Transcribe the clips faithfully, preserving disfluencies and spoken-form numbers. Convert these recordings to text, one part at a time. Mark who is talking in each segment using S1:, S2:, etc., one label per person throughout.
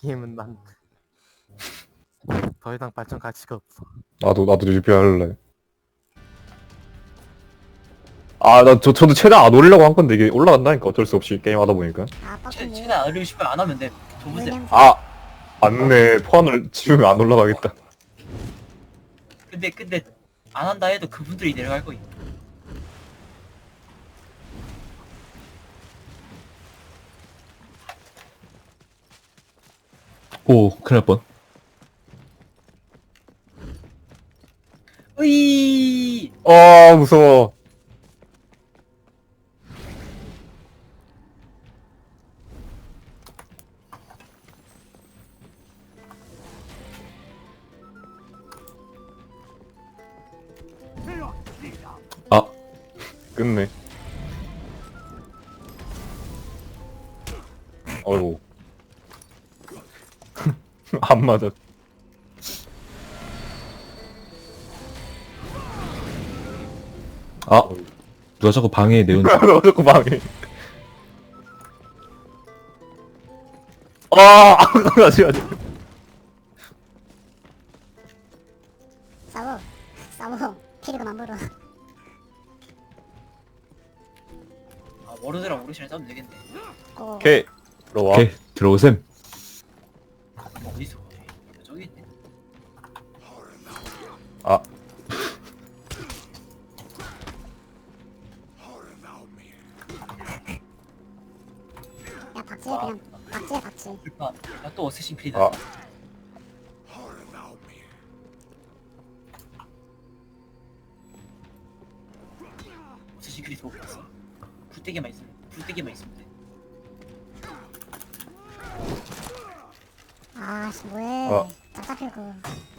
S1: 게임은 난 더 이상 발전 가치가 없어.
S2: 나도 나도 유비 할래. 아, 나 저 저도 최대한 안 올리려고 한 건데 이게 올라간다니까 어쩔 수 없이 게임 하다 보니까.
S3: 아
S4: 최,
S3: 빡빡이
S4: 최대한 안 올리고 싶으면 안 하면 돼. 줘보세요.
S2: 아, 맞네. 포환을 지우면 안 올라가겠다.
S4: 근데 근데 안 한다 해도 그분들이 내려갈 거임.
S5: 오, 큰일 날 뻔.
S4: 으이.
S2: 아, 무서워.
S5: 아,
S2: 끝내. 어이구. 안 맞아.
S5: 아, 누가 자꾸 방해해 내온.
S2: 너 자꾸 방해. 아, 가지 가지.
S3: 싸워 싸워 피리가 만물어.
S4: 아 워로드랑 오르시랑 싸우면 되겠네.
S3: 고
S2: 오케이. 들어와.
S5: 오케이, 들어오셈.
S4: 뭐 어디서? 저기 있네.
S2: 아,
S3: 야 박지혜 그냥 박지혜 박지.
S4: 그러니까 나또 어쌔신 크리드.
S2: 아.
S4: 어쌔신 크리드 보고 있어. 불대기만 있으면 불대기만 있으면 돼.
S3: 아씨 뭐해
S2: 어.
S3: 짝짝필고.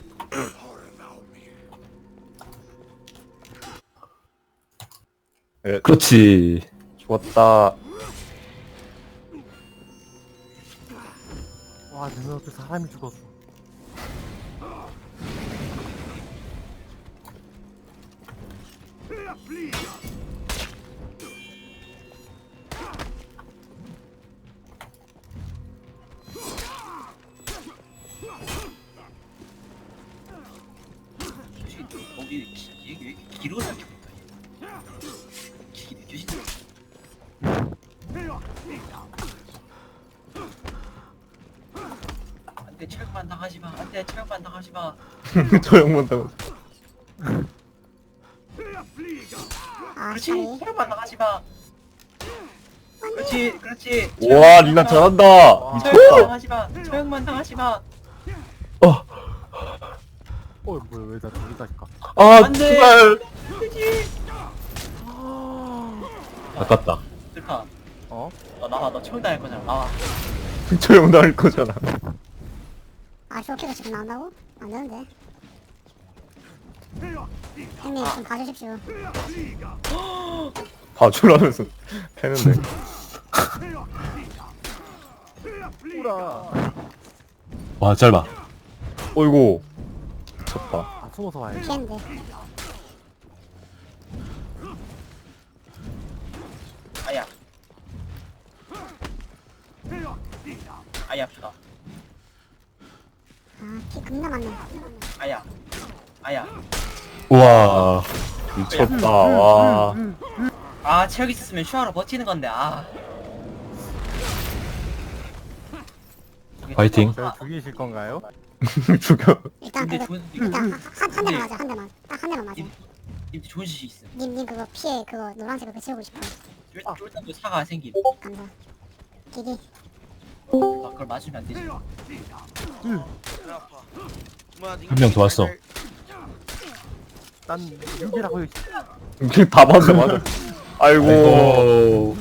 S2: 예,
S5: 그렇지.
S2: 좋았다.
S1: 와, 내 눈앞에 사람이 죽었어.
S4: 솔직히 거기 기- 얘기 왜 이렇게 길어 생각해보니까 기기 느껴지네. 안돼 체력만 당하지마. 안돼 체력만 당하지마.
S2: 저 형만 당했어.
S3: 아
S4: 그렇지
S3: 시간이
S4: 체력만 당하지마. 그렇지 그렇지.
S2: 와, 리나 잘한다.
S4: 체력만
S2: 미쳤다.
S4: 당하지마. 체력만 당하지마.
S1: 어, 뭐야, 왜나 저기다니까.
S2: 아,
S4: 안 돼.
S2: 제발.
S4: 그렇지.
S5: 아깝다.
S4: 슬파.
S1: 어?
S4: 너 나와. 너 체력 당할 거잖아. 나와.
S2: 저 형 나올 거잖아.
S3: 아 쇼키가 지금 나온다고? 안 되는데. 형님 좀 봐주십시오.
S2: 봐주라면서 패는데.
S1: 뿌라.
S5: 와, 짧아.
S2: 어이구. 미쳤다.
S1: 아, 숨어서 와야지.
S3: 피했는데.
S4: 아야. 아야 아프다.
S3: 아피 겁나 많네.
S4: 아야. 아야.
S5: 우와.
S2: 미쳤다. 와.
S4: 아 체력 있었으면 슈아로 버티는 건데 아.
S5: 파이팅.
S1: 저 죽이실 건가요?
S2: 죽여.
S3: 일단
S4: 근데
S3: 그거
S4: 좋은
S3: 일단 한, 한, 한 대만 맞아 한 대만 딱 한 대만 맞아.
S4: 님, 님도 좋은 짓이 있음.
S3: 님 님 그거 피해 그거 노란색 그거 치우고 싶어.
S4: 쫄- 쫄단도 사가 생김.
S3: 감사. 기기.
S4: 아, 그걸 맞으면 안 되지.
S5: 한 명 더 왔어.
S1: 난 육이라고 해.
S2: 다 맞아, 맞아. 아이고.
S5: 아이고.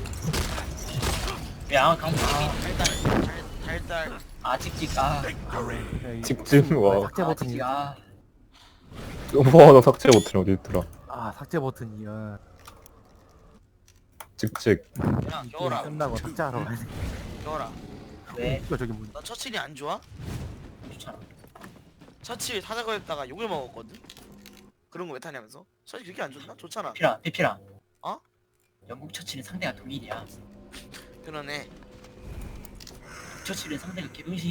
S4: 야 강아 달달. 아 찍찍 아.
S2: 직진, 와.
S1: 삭제
S4: 아
S1: 버튼이.
S4: 찍찍 아.
S2: 와, 나 삭제 버튼이 어디 있더라.
S1: 아, 삭제 버튼이야.
S2: 직직.
S6: 야,
S1: 게임
S6: 겨울아,
S1: 끝나고 삭제하러 가야 돼.
S6: 겨울아.
S4: 왜?
S1: 이거 저기 문.
S6: 너 처칠이 안 좋아?
S4: 좋잖아.
S6: 처칠 타자고 했다가 욕을 먹었거든? 그런 거 왜 타냐면서? 처칠 그렇게 안 좋나? 좋잖아.
S4: 피라 피피라.
S6: 어?
S4: 영국 처치는 상대가 독일이야.
S6: 그러네.
S4: 처치는 상대가 개병신.